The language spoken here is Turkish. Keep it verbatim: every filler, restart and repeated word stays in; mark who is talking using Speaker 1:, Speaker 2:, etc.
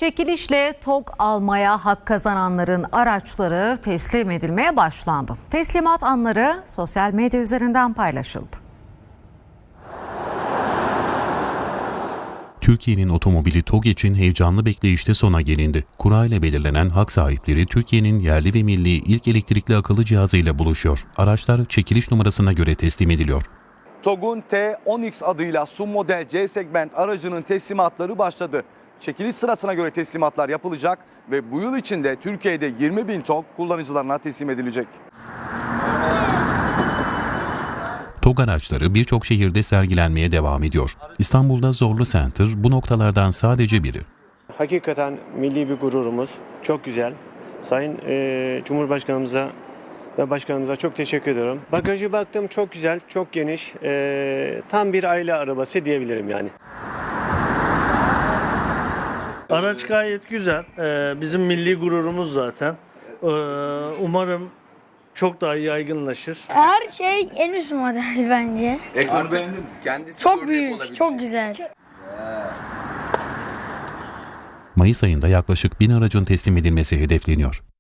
Speaker 1: Çekilişle TOG almaya hak kazananların araçları teslim edilmeye başlandı. Teslimat anları sosyal medya üzerinden paylaşıldı.
Speaker 2: Türkiye'nin otomobili TOG için heyecanlı bekleyişte sona gelindi. Kura ile belirlenen hak sahipleri Türkiye'nin yerli ve milli ilk elektrikli akıllı cihazıyla buluşuyor. Araçlar çekiliş numarasına göre teslim ediliyor.
Speaker 3: TOG'un T on X adıyla S U V model C segment aracının teslimatları başladı. Çekiliş sırasına göre teslimatlar yapılacak ve bu yıl içinde Türkiye'de yirmi bin TOG kullanıcılarına teslim edilecek.
Speaker 2: TOG araçları birçok şehirde sergilenmeye devam ediyor. İstanbul'da Zorlu Center bu noktalardan sadece biri.
Speaker 4: Hakikaten milli bir gururumuz. Çok güzel. Sayın e, Cumhurbaşkanımıza ve başkanımıza çok teşekkür ediyorum. Bagajı baktım, çok güzel, çok geniş. E, tam bir aile arabası diyebilirim yani.
Speaker 5: Araç gayet güzel. Ee, bizim milli gururumuz zaten. Ee, umarım çok daha yaygınlaşır.
Speaker 6: Her şey en üst model bence.
Speaker 3: Ekranı beğendin mi?
Speaker 7: Kendisi
Speaker 6: Çok büyük, çok güzel.
Speaker 2: Mayıs ayında yaklaşık bin aracın teslim edilmesi hedefleniyor.